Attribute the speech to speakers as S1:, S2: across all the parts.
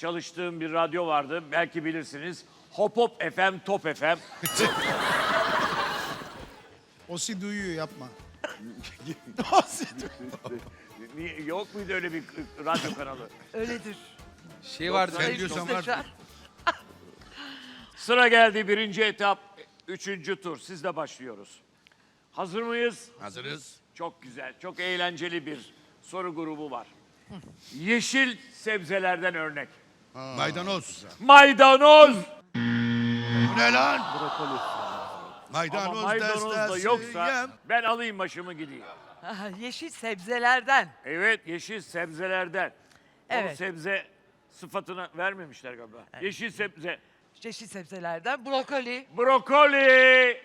S1: çalıştığım bir radyo vardı. Belki bilirsiniz. Hop Hop FM, Top FM.
S2: Osi duyuyor yapma.
S1: Yok muydu öyle bir radyo kanalı?
S3: Öyledir.
S4: Şey vardı,
S1: Sen
S4: ben diyorsan var.
S1: Sıra geldi 1. etap, 3. tur. Sizle başlıyoruz. Hazır mıyız?
S4: Hazırız.
S1: Çok güzel, çok eğlenceli bir soru grubu var. Yeşil sebzelerden örnek.
S4: Maydanoz.
S1: Maydanoz.
S4: Bu ne lan?
S1: Ama
S4: Maydanoz
S1: maydanoz da
S4: destesi
S1: yoksa
S4: yem.
S1: ben alayım başımı gideyim.
S3: Yeşil sebzelerden.
S1: Evet, yeşil sebzelerden. O
S3: Evet.
S1: sebze sıfatını vermemişler galiba. Yeşil sebze.
S3: Yeşil sebzelerden brokoli.
S1: Brokoli.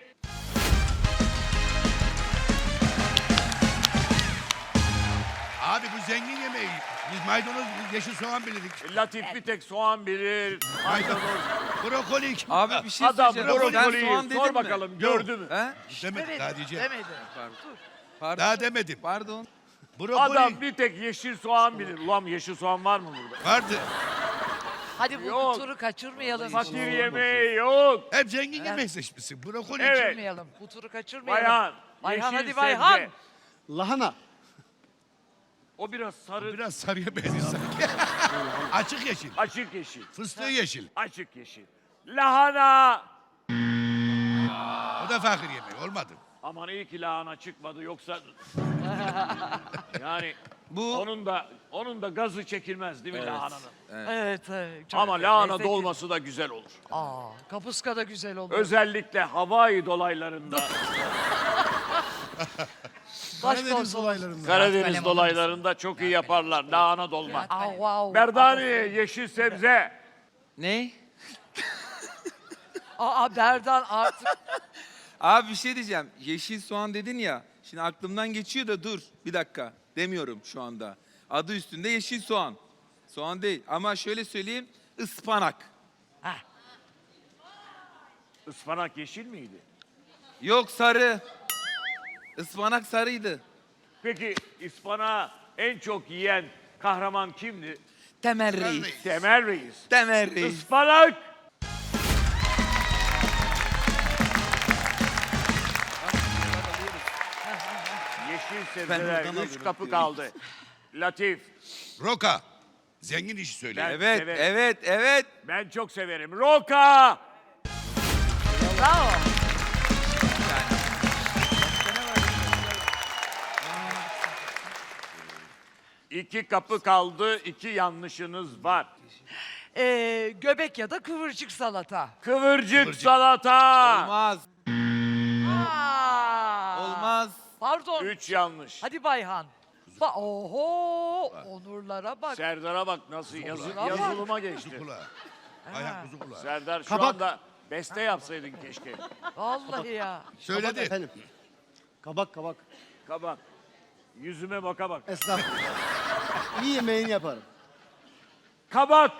S4: Abi bu zengin yemeği. Biz maydanoz, yeşil soğan bilirdik.
S1: Latif bir tek soğan bilir. Maydanoz.
S4: Brokoli.
S5: Abi bir şey
S1: Adam
S5: söyleyeceğim. Sen
S1: brokoliyi
S5: soğan dedin
S1: sor
S5: mi?
S1: bakalım gördü mü?
S5: He?
S4: Demedim daha diyeceğim.
S3: Demedi.
S5: Pardon.
S4: Daha demedim.
S5: Pardon.
S4: Brokoli.
S1: Adam bir tek yeşil soğan bilir. Ulan yeşil soğan var mı burada?
S4: Vardı.
S3: Hadi bu
S1: Yok.
S3: turu kaçırmayalım.
S1: Fakir yemeği yok.
S4: Hep zengin yemek seçmişsin. Brokoli.
S1: Evet.
S3: Kaçırmayalım. Bu turu kaçırmayalım.
S1: Bayhan.
S3: Bayhan,
S1: yeşil
S3: hadi Bayhan.
S1: sebze.
S2: Lahana.
S1: O biraz sarı,
S4: Biraz sarıya benziyor sanki. Açık yeşil.
S1: açık yeşil.
S4: Fıstığı yeşil.
S1: Açık yeşil. Lahana.
S4: O da fakir yemeği. Olmadı.
S1: Aman iyi ki lahana çıkmadı yoksa yani
S5: Bu
S1: onun da gazı çekilmez değil mi lahananın?
S3: Evet. Çok
S1: Ama lahana
S3: lezzetli.
S1: dolması da güzel olur.
S3: Kapuska da güzel olur.
S1: Özellikle Hawaii dolaylarında,
S2: Karadeniz olaylarında.
S1: Karadeniz dolaylarında çok iyi yaparlar lahana dolma.
S3: Wow.
S1: Berdani yeşil sebze.
S5: ne?
S3: Berdan artık.
S5: Abi bir şey diyeceğim. Yeşil soğan dedin ya. Şimdi aklımdan geçiyor da dur. Bir dakika. Demiyorum şu anda. Adı üstünde yeşil soğan. Soğan değil. Ama şöyle söyleyeyim. Ispanak.
S1: Ispanak yeşil miydi?
S5: Yok sarı. Ispanak sarıydı.
S1: Peki ıspanağı en çok yiyen kahraman kimdi?
S5: Temel Reis.
S1: Temel Reis.
S5: Temel Reis.
S1: Ispanak. Yeşil sebzeler,
S5: buradan
S1: 3
S5: alıyorum.
S1: kapı kaldı. Latif,
S4: Roka. Zengin işi söylüyor.
S1: Ben
S5: Evet,
S1: severim.
S5: evet, evet.
S1: ben çok severim. Roka.
S3: Bravo.
S1: 2 kapı kaldı, 2 yanlışınız var.
S3: Göbek ya da kıvırcık salata.
S1: Kıvırcık salata.
S5: Olmaz.
S3: Aa,
S5: Olmaz.
S3: Pardon.
S1: 3 yanlış.
S3: Hadi Bayhan. Oho, onurlara bak.
S1: Serdar'a bak nasıl yazılıma geçti.
S4: Kuzu kulağı. Ayhan kuzu kulağı.
S1: Serdar şu
S2: Kabak.
S1: anda beste yapsaydın keşke.
S3: Vallahi ya.
S4: Söyledi.
S2: Efendim. Kabak kabak.
S1: Kabak. Yüzüme baka bak.
S2: Estağfurullah. İyi yemeğini yaparım.
S1: Kabak.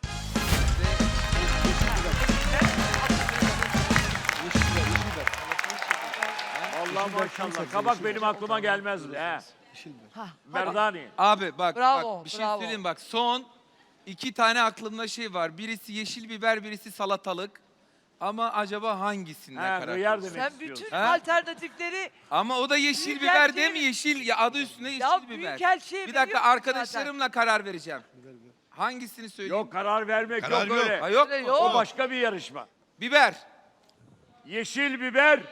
S1: Allah maşallah. Kabak benim aklıma gelmezdi. He. Berdani.
S5: Abi bak,
S3: Bravo,
S5: bak bir şey
S3: bravo.
S5: söyleyeyim bak. Son 2 tane aklımda şey var. Birisi yeşil biber, birisi salatalık. Ama acaba hangisinde
S1: He,
S5: karar
S1: hıyar
S5: verirsin?
S1: demek
S3: Sen bütün
S1: istiyorsun.
S5: Ha?
S3: alternatifleri
S5: Ama o da yeşil
S3: Büyük
S5: biber
S3: elçi-
S5: değil mi? Yeşil ya adı üstünde yeşil
S3: Ya
S5: biber.
S3: büyükelçiye
S5: Bir dakika
S3: veriyorsun
S5: arkadaşlarımla karar vereceğim. Hangisini söyleyeyim?
S1: Yok karar vermek
S4: Karar
S1: yok
S4: yok.
S1: öyle.
S5: Ha, yok.
S3: Öyle
S5: mu?
S3: yok.
S1: O başka bir yarışma.
S5: Biber.
S1: Yeşil biber.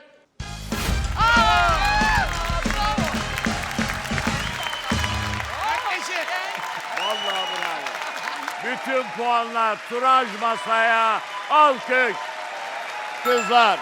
S1: Vallahi bravo. Bütün puanlar turaj masaya. Alkış. Kızlar.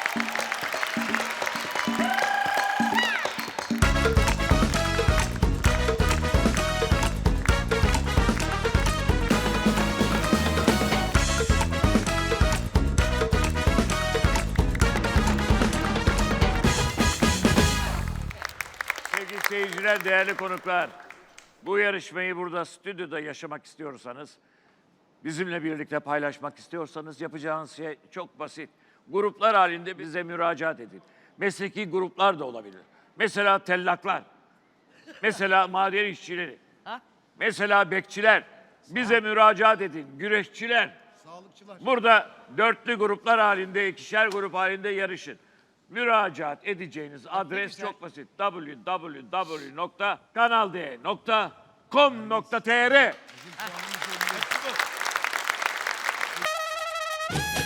S1: Sevgili seyirciler, değerli konuklar. Bu yarışmayı burada stüdyoda yaşamak istiyorsanız, bizimle birlikte paylaşmak istiyorsanız yapacağınız şey çok basit. Gruplar halinde bize müracaat edin. Mesleki gruplar da olabilir. Mesela tellaklar, mesela maden işçileri, mesela bekçiler, Bize müracaat edin. Güreşçiler.
S2: Sağlıkçılar.
S1: Burada dörtlü gruplar halinde, ikişer grup halinde yarışın. Müracaat edeceğiniz adres çok basit. www.kanald.com.tr